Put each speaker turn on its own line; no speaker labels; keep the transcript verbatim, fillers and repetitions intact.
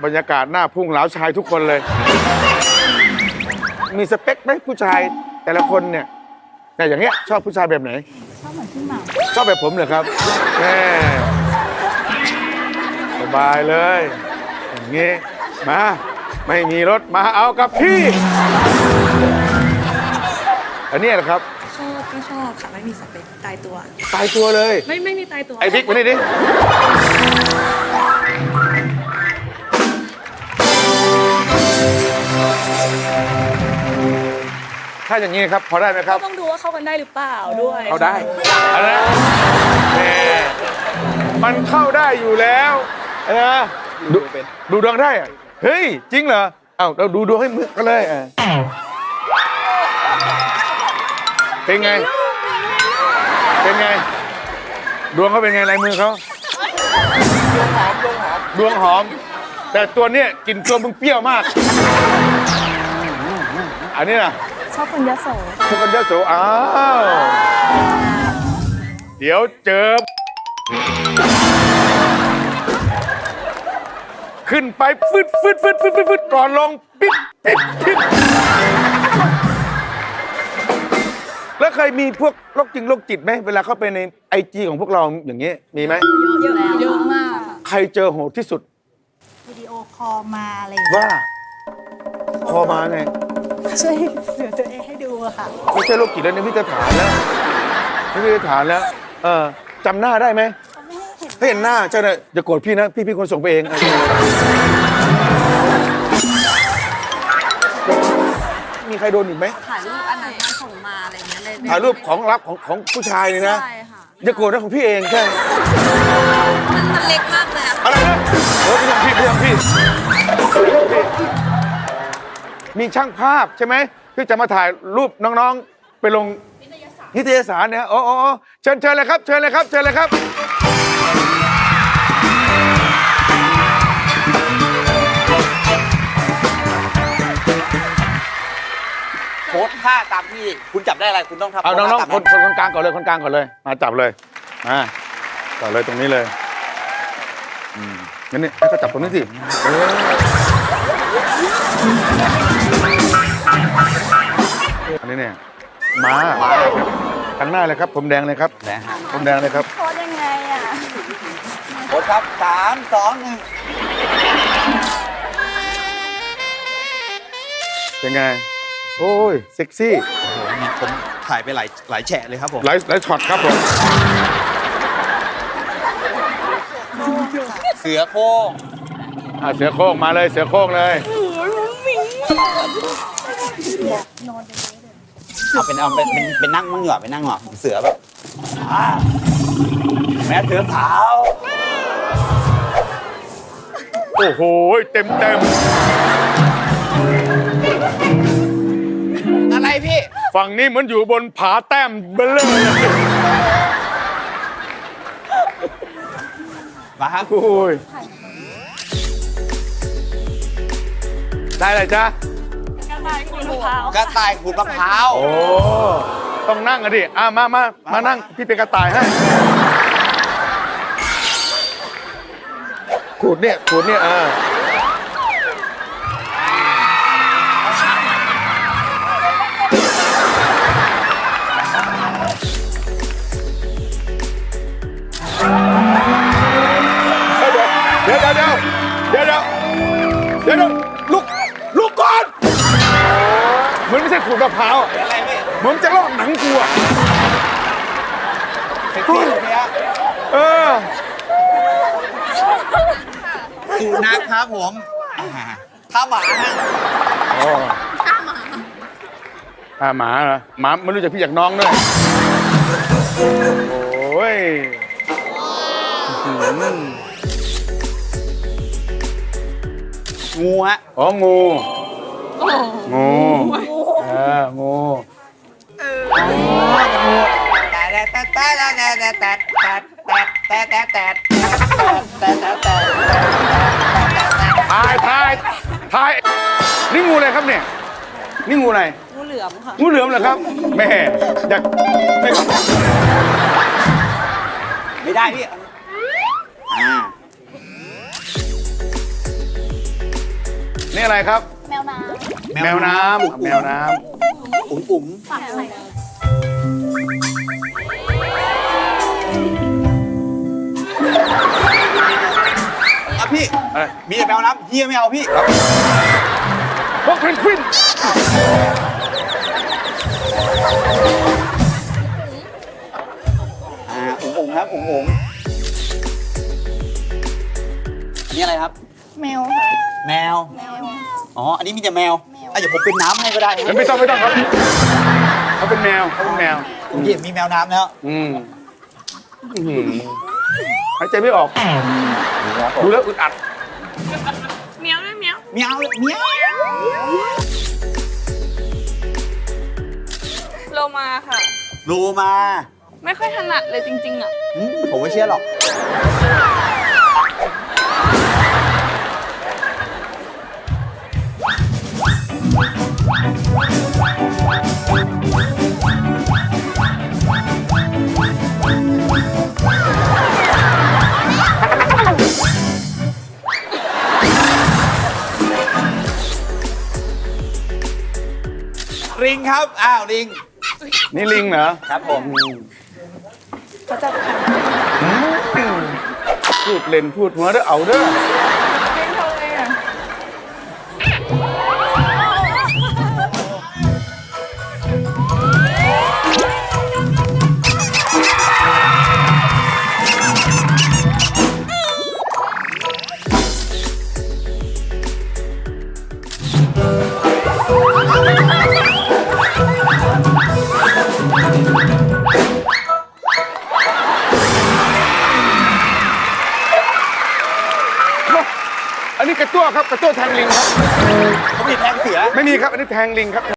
บรรยากาศหน้าพุ่งเหลาชายทุกคนเลย มีสเปคไหมผู้ชายแต่ละคนเนี่ยแต่อย่างเงี้ยชอบผู้ชายแบบไหนชอบเหมือนพี่หม่ำชอบแบบผมเหรอครับแม่สบายเลยอย่างงี้มาไม่มีรถมาเอากับพี่อันนี้แหละครับ
ชอบก็ชอบค่ะไม่มีสเปคตายตัว
ตายตัวเลย
ไม่ไม่มีตายตัว
ไอ้บิ๊กมานี่ดิถ้าอย่างนี้ครับพอได้ไหมครับ
ต้องดูว่าเข้ากันได้หรือเปล่าด้วย
เข้าได้อะไรแหมมันเข้าได้อยู่แล้วนะดูดูดวงได้อะเฮ้ยจริงเหรอเอ้าเราดูดวงให้มึกกันเลยเป็นไงเป็นไงดวงเขาเป็นไงลายมือเขาดวงหอมดวงหอมดวงหอมแต่ตัวเนี้ยกลิ่นตัวมึงเปรี้ยวมากอันนี้นะ
ชอบคนยโส
ชอบคนยโสอ้าวเดี๋ยวเจอขึ้นไปฟึดฟึดฟึดฟึดฟึดฟึดก่อนลงปิ๊บปิ๊บปิ๊บแล้วเคยมีพวกโรคจริงโรคจิตไหมเวลาเข้าไปในไอจีของพวกเราอย่างนี้มีไหม
เยอะเยอะมาก
ใครเจอโหดที่สุด
วิดีโอคอลมาอะไร
ว่าคอมาไง
ช่วยเสือตัวเองให้ดูอะค่ะ
ไม่ใช่โรคจิตแล้วนี่พี่จะถามแล้วพี่จะถามแล้วเออจำหน้าได้ไหมไม่เห็นหน้าใช่เลยอย่าโกรธพี่นะพี่พี่คนส่งไปเองมีใครโดนอีกไหไหม
ถ่ายรูปอันไหนส่งมาอะไรเงี้ยเลย
ถ่ายรูปของลับของของผู้ชายเลยนะ
ใช่ค่ะ
อย่าโกรธนะของพี่เองใช่
มันเล็กมากเลย
อะไรนะเออพี่ทำพี่พี่ทำพี่มีช่างภาพใช่ไหมที่จะมาถ่ายรูปน้องๆไปลงนิตยสารเนี่ยโอ้โอ้เชิญเชิญเลยครับเชิญเลยครับเชิญเลยครับ
โพสท่าตามที่คุณจับได้อะไรคุณต้องทำ
เอาน้องๆคนคนคนกลางก่อนเลยคนกลางก่อนเลยมาจับเลยมาจับเลยตรงนี้เลยอืมงั้นนี่ให้เขาจับตรงนี้สิเอออันนี้เนี่ยมาข้างหน้าเลยครับผมแดงเลยครับ
แดงฮะ
ผมแดงเลยครับ
โพสยังไงอ่ะ
โพสครับสามสองหนึ่ง
เป็นไงโอ้ยเซ็กซี่
ผมถ่ายไปหลายหลายแฉะเลยครับผม
หลายหลายช็อตครับผม
เสือโค้ง
อ่ะเสือโค้งมาเลยเสือโค้งเลย
เอาเป็นเอาเป็นเป็นนั่งมั่งเหรอเป็นนั่งเหรอเสือแบบแม่เสือสาว
โอ้โหเต็มเต็ม
อะไรพี่
ฝั่งนี้เหมือนอยู่บนผาแต้มเบลเลอร์
มาครับ
โอ้ยได้เลยจ้ะ
กระต่ายขูดมะพร้าว
กระต่ายขูดมะพร้าว
โอ้ต้องนั่งอ่ะดิอ่ะมามามานั่งพี่เป็นกระต่ายให้ขูดเนี่ยขูดเนี่ยอ่าเดี๋ยวเดี๋ยวเดี๋ยวเดี๋ยวเดี๋ยวเดี๋ยวลุกลุกก่อนเหมือนไม่ใช่ขูดมะพร้าวเหมือนจะลอกหนังกูอ่ะเออ
สุนัขครับผมท่าหมาฮะ
ท่าหมาท่าหมาเหรอหมาไม่รู้จักพี่จากน้องด้วยโอ้ย
งูฮะ
อ๋องูงูเอองู
แต่แต่แต่แต่แต่แต่แต่แต่แต่แต่แต่แต่แต่
ทายทายทายนี่งูอะไรครับเนี่ยนี่งูอะไร
งูเหลือมค่ะ
งูเหลือมเหรอครับแม่อยากไม่
ไม่ได้พี่อ่า
นี่อะไรครับ
แมวน้
แมวน้ำแมวน้
อุ๋มอุ๋ม
ำปากอะไร
อ่ะพี่
ำอะไร
มีแต่แมวน้ำเฮียไม่เอาพี่
พวกเพนกวิน
อ่าอุ๋มอุ๋มครับอุ๋มอุ๋มนี่อะไรครับ
แมวค่ะ
แมว
แมว
อ๋อ อันนี้มีแต่แมวอ่ะเดี๋ยวผมเป็นน้ำให้ก็ได้
ไม่ต้องไม่ต้องครับเขาเป็นแมวเขาเป็นแมว
ผมเห็นมีแมวน้ำแล้ว
อืมอื้อหือหายใจไม่ออกดูแล้วอึดอัด
เมียวด้วยเมียว
เมียวเมียว
โลมาค่ะ
รูมา
ไม่ค่อยถนัดเลยจริงๆอ่ะ
อืมผมไม่เชื่อหรอก ลิงครับ อ้าวลิง
นี่ลิงเหรอ
ครับผม
เขาจะขัน
พูดเล่นพูดหัวเด้อเอาเด้อ
เป็นทำไงอ่ะ
อันนี้กระตั้วครับกระตั้วแทงลิงครับ
เขามีแทงเสือ
ไม่มีครับ อันนี้แทงลิงครับ